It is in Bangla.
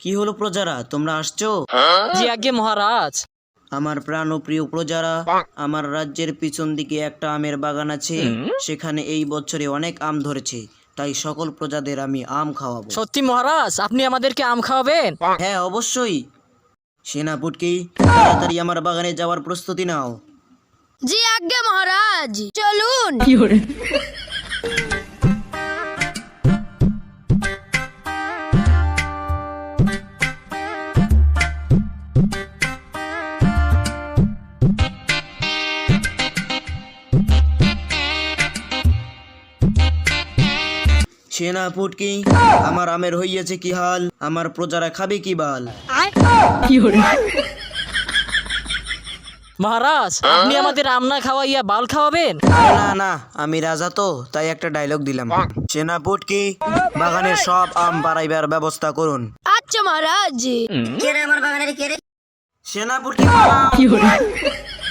কি হলো প্রজারা, তোমরা আসছো? জি আজ্ঞে মহারাজ। আমার প্রাণ ও প্রিয় প্রজারা, আমার রাজ্যের পিছন দিকে একটা আমের বাগান আছে। সেখানে এই বছরে অনেক আম ধরেছে, তাই সকল প্রজাদের আমি আম খাওয়াবো। সত্যি মহারাজ, আপনি আমাদেরকে আম খাওয়াবেন? হ্যাঁ অবশ্যই। সেনাপতি, তাড়াতাড়ি আমার বাগানে যাওয়ার প্রস্তুতি নাও। জি আজ্ঞে মহারাজ, চলুন। সেনাপতি, আমার আমের হইয়াছে কি হাল? আমার প্রজারা খাবে কি বাল? মহারাজ, আপনি আমাদের আম না খাওয়াইয়া বাল খাওয়াবেন? না না, আমি রাজা তো, তাই একটা ডায়লগ দিলাম। সেনাপতি, বাগানের সব আম বাড়াইবার ব্যবস্থা করুন। আচ্ছা মহারাজ। সেনাপতি, পালাও।